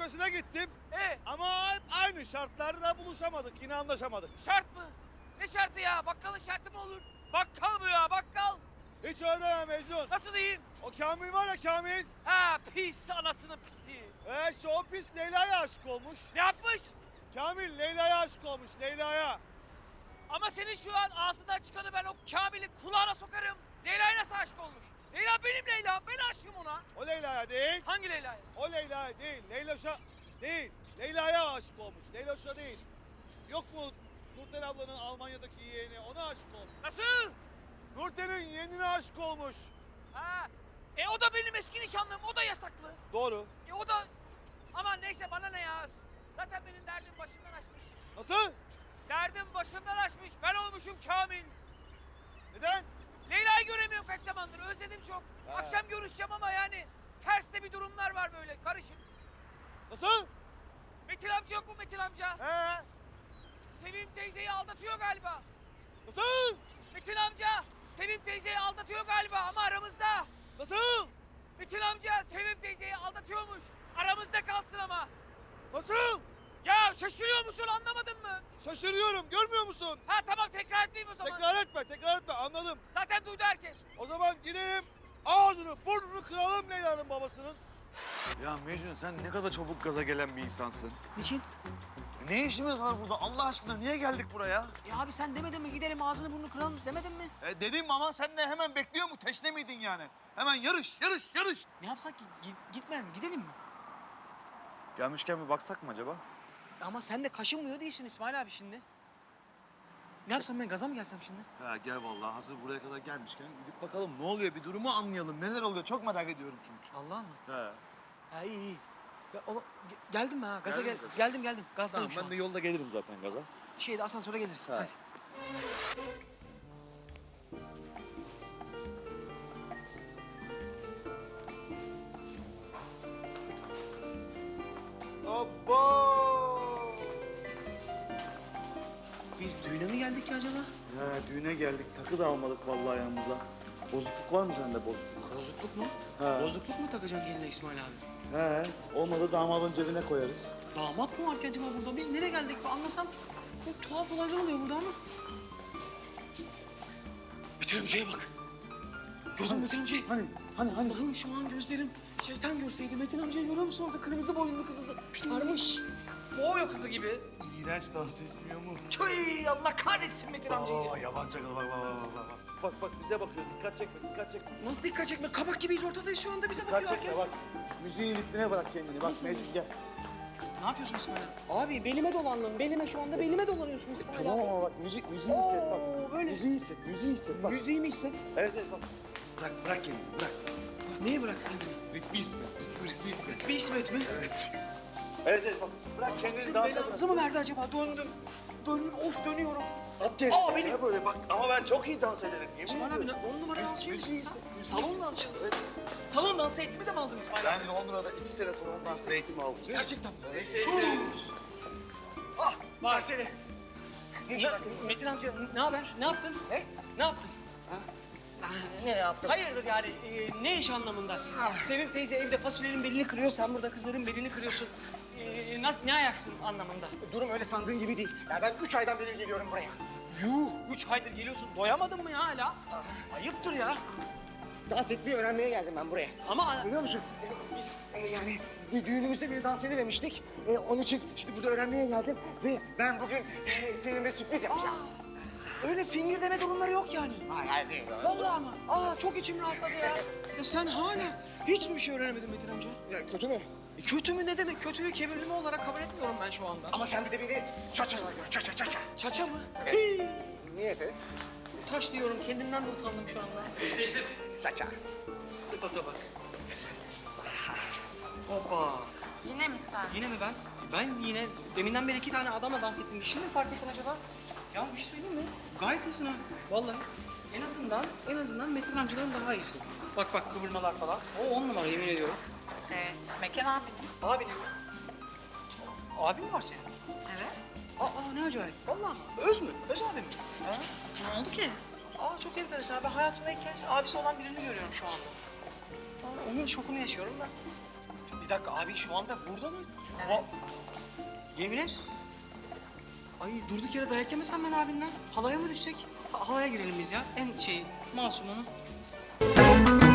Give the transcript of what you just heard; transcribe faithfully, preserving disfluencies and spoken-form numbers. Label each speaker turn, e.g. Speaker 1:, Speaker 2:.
Speaker 1: görüşmesine gittim.
Speaker 2: E
Speaker 1: Ama hep aynı şartlarda buluşamadık. Yine anlaşamadık.
Speaker 2: şart mı? Ne şartı ya? Bakkalın şartı mı olur? Bakkal bu ya, bakkal.
Speaker 1: Hiç öyle deme Mecnun.
Speaker 2: Nasıl diyeyim?
Speaker 1: O Kamil var ya Kamil.
Speaker 2: Ha, pis anasının pisi.
Speaker 1: Ee, işte o pis Leyla'ya aşık olmuş.
Speaker 2: Ne yapmış?
Speaker 1: Kamil Leyla'ya aşık olmuş. Leyla'ya.
Speaker 2: Ama senin şu an ağzından çıkanı ben o Kamil'i kulağına sokarım. Leyla'ya nasıl aşık olmuş? Leyla benim Leyla. Ben aşığım ona.
Speaker 1: O Leyla'ya değil.
Speaker 2: Hangi Leyla'ya?
Speaker 1: O Leyla'ya değil. Leyloş'a değil. Leyla'ya aşık olmuş. Leyloş'a değil. Yok mu Nurten ablanın Almanya'daki yeğeni? Ona aşık olmuş.
Speaker 2: Nasıl?
Speaker 1: Nurten'in yeğenine aşık olmuş.
Speaker 2: Ha. E o da benim eski nişanlım. O da yasaklı.
Speaker 1: Doğru.
Speaker 2: E o da... Aman neyse bana ne ya. Zaten benim derdim başımdan aşmış.
Speaker 1: Nasıl?
Speaker 2: Derdim başımdan aşmış. Ben olmuşum Kamil.
Speaker 1: Neden?
Speaker 2: Leyla'yı göremiyorum kaç zamandır. Özledim çok.
Speaker 1: Ha.
Speaker 2: Akşam görüşeceğim ama yani ters de bir durumlar var böyle karışık.
Speaker 1: Nasıl?
Speaker 2: Metin amca yok mu Metin amca?
Speaker 1: He?
Speaker 2: Sevim teyzeyi aldatıyor galiba.
Speaker 1: Nasıl?
Speaker 2: Metin amca Sevim teyzeyi aldatıyor galiba ama aramızda.
Speaker 1: Nasıl?
Speaker 2: Metin amca Sevim teyzeyi aldatıyormuş. Aramızda kalsın ama.
Speaker 1: Nasıl?
Speaker 2: Ya şaşırıyor musun anlamadın mı?
Speaker 1: Şaşırıyorum. Görmüyor musun?
Speaker 2: Ha tamam tekrar etmeyeyim o zaman.
Speaker 1: Tekrar etme, tekrar etme. Anladım.
Speaker 2: Zaten duydu herkes.
Speaker 1: O zaman gidelim ağzını, burnunu kıralım Leyla'nın babasının.
Speaker 3: Ya Mecnun sen ne kadar çabuk gaza gelen bir insansın.
Speaker 4: Niçin?
Speaker 3: Ne işimiz var burada Allah aşkına niye geldik buraya?
Speaker 4: Ya abi sen demedin mi gidelim ağzını burnunu kıralım demedin mi?
Speaker 3: E dedim ama sen de hemen bekliyor mu? Teşne miydin yani? Hemen yarış, yarış, yarış.
Speaker 4: Ne yapsak ki? Gi- gitmeyelim mi? Gidelim mi?
Speaker 3: Gelmişken bir baksak mı acaba?
Speaker 4: Ama sen de kaşınmıyor değilsin İsmail abi şimdi. Ne yapsam ben gaza mı gelsem şimdi?
Speaker 3: Ha gel vallahi hazır buraya kadar gelmişken gidip bakalım ne oluyor bir durumu anlayalım. Neler oluyor çok merak ediyorum çünkü.
Speaker 4: Allah mı?
Speaker 3: He.
Speaker 4: Ha iyi iyi. Ya, oğlum, ge- geldim mi ha? Gaza
Speaker 3: Geldin
Speaker 4: gel
Speaker 3: mi gaza?
Speaker 4: geldim geldim. Gazdayım
Speaker 3: Tamam
Speaker 4: şu
Speaker 3: ben
Speaker 4: an.
Speaker 3: de yolda gelirim zaten gaza.
Speaker 4: Şeyde asansöre gelirsin.
Speaker 3: Ha.
Speaker 4: Hadi.
Speaker 1: Abo!
Speaker 4: Biz düğüne mi geldik ki acaba?
Speaker 3: He düğüne geldik takı da almadık vallahi yanımıza. Bozukluk var mı sende bozukluk?
Speaker 4: Bozukluk mu?
Speaker 3: Ha.
Speaker 4: Bozukluk mu takacaksın geline İsmail abi?
Speaker 3: He olmadı damadın cebine koyarız.
Speaker 4: Damat mı var ki acaba burada? Biz nereye geldik? Bir anlasam bu tuhaf olaylar oluyor burada ama. Metin amcaya bak. Gözüm Metin amcayı.
Speaker 3: Hani hani hani?
Speaker 4: Allah'ım şu an gözlerim şeytan görseydi. Metin amcayı görüyor musun orada kırmızı boyunlu kızı da sarmış. Boğuyor kızı gibi.
Speaker 3: İğrenç dans etmiyor mu?
Speaker 4: Tüy Allah kahretsin Metin amcayı.
Speaker 3: Aa yaban çakalı bak bak bak bak. Bak bak bize bakıyor dikkat çekme dikkat çekme.
Speaker 4: Nasıl dikkat çekme? Kabak gibiyiz ortadayız şu anda bize bakıyor
Speaker 3: Dikkat çekme
Speaker 4: herkes.
Speaker 3: bak. Müziğin ritmine bırak kendini. Bak
Speaker 4: Nasıl?
Speaker 3: Mecnun gel.
Speaker 4: Ne yapıyorsun İsmail abi? Abi belime dolandın. Belime şu anda belime dolanıyorsun İsmail
Speaker 3: Tamam
Speaker 4: abi.
Speaker 3: ama bak müzik müziği hisset bak.
Speaker 4: Oo, böyle.
Speaker 3: Müziği hisset müziği hisset bak.
Speaker 4: Müziğimi hisset.
Speaker 3: Evet evet bak. Bırak bırak kendini bırak.
Speaker 4: Neyi bırak kendini?
Speaker 3: Ritmi hisset. Ritmi ritmi hisset.
Speaker 4: Bir İsmet mi?
Speaker 3: Evet. Evet evet bak. Bırak kendini
Speaker 4: Bizim
Speaker 3: dansa
Speaker 4: belamızı mı verdi acaba? Döndüm. Döndüm. Of dönüyorum.
Speaker 3: At kendini.
Speaker 4: Aa, benim-
Speaker 3: Ya böyle bak ama ben çok iyi dans ederim. Yemin
Speaker 4: İsmail abi
Speaker 3: ediyorum.
Speaker 4: on numara dansçı
Speaker 3: Müziği
Speaker 4: mısın
Speaker 3: hisset.
Speaker 4: sen?
Speaker 3: müziği
Speaker 4: Salon
Speaker 3: hisset.
Speaker 4: dansçısı mısın? Salon dansı eğitimi de mi aldın İsmail abi?
Speaker 3: Ben Londra'da iki sene salon dans eğitimi aldım.
Speaker 4: Gerçekten mi? Ah var seni. Metin amca ne haber? Ne yaptın? Ne? Ne yaptın?
Speaker 5: Ne yaptın?
Speaker 4: Hayırdır yani e, ne iş anlamında? Sevim teyze evde fasulyenin belini kırıyor, sen burada kızların belini kırıyorsun. E, nasıl, ne ayaksın anlamında?
Speaker 5: Durum öyle sandığın gibi değil. Ya ben üç aydan beri geliyorum buraya.
Speaker 4: Yuh! Üç aydır geliyorsun, doyamadın mı ya hala? Ayıptır ya.
Speaker 5: Dans etmeyi öğrenmeye geldim ben buraya.
Speaker 4: Ama
Speaker 5: Biliyor musun? e, Biz e, yani bir düğünümüzde bir dans edememiştik. E, onun için işte burada öğrenmeye geldim ve ben bugün e, seninle sürpriz yapacağım.
Speaker 4: öyle fingir deme durumları yok yani.
Speaker 5: Hayır, hayır değil.
Speaker 4: Vallahi ama. Aa çok içim rahatladı ya. Ya sen hala hiç mi bir şey öğrenemedin Metin amca?
Speaker 5: Ya, kötü mü?
Speaker 4: E, kötü mü ne demek? Kötüyü kebirleme olarak kabul etmiyorum ben şu anda.
Speaker 5: Ama sen bir de beni çaçayla gör. Çaça çaça.
Speaker 4: Çaça mı? Hii!
Speaker 5: Niyeti?
Speaker 4: Taş diyorum, kendimden de utandım şu anda.
Speaker 5: Çaça.
Speaker 4: Sıfata bak. Hoppa.
Speaker 6: Yine mi sen?
Speaker 4: Yine mi ben? Ben yine deminden beri iki tane adamla dans ettim. Bir şey mi fark ettin acaba? Ya bir şey söyleyeyim mi? Gayet iyisin ha. Vallahi. En azından, en azından Metin amcadan daha iyisin. Bak bak kıvırmalar falan. O on numara yemin ediyorum.
Speaker 6: Ee, Mekan abinin.
Speaker 4: Abin mi? Abin mi var senin?
Speaker 6: Evet.
Speaker 4: Aa ne acayip. Vallahi mı? Öz mü? Öz abim mi?
Speaker 6: Evet. Ne oldu ki?
Speaker 4: Aa çok enteresan. Ben hayatımda ilk kez abisi olan birini görüyorum şu anda. Aa, onun şokunu yaşıyorum da.
Speaker 3: Bir
Speaker 4: dakika abi şu anda burada mı? Şu,
Speaker 6: Evet.
Speaker 4: Va- Yemin et. Ay durduk yere dayak yemesem ben abinden. Halaya mı düşsek? Ha- halaya girelim biz ya. En şey masumunu.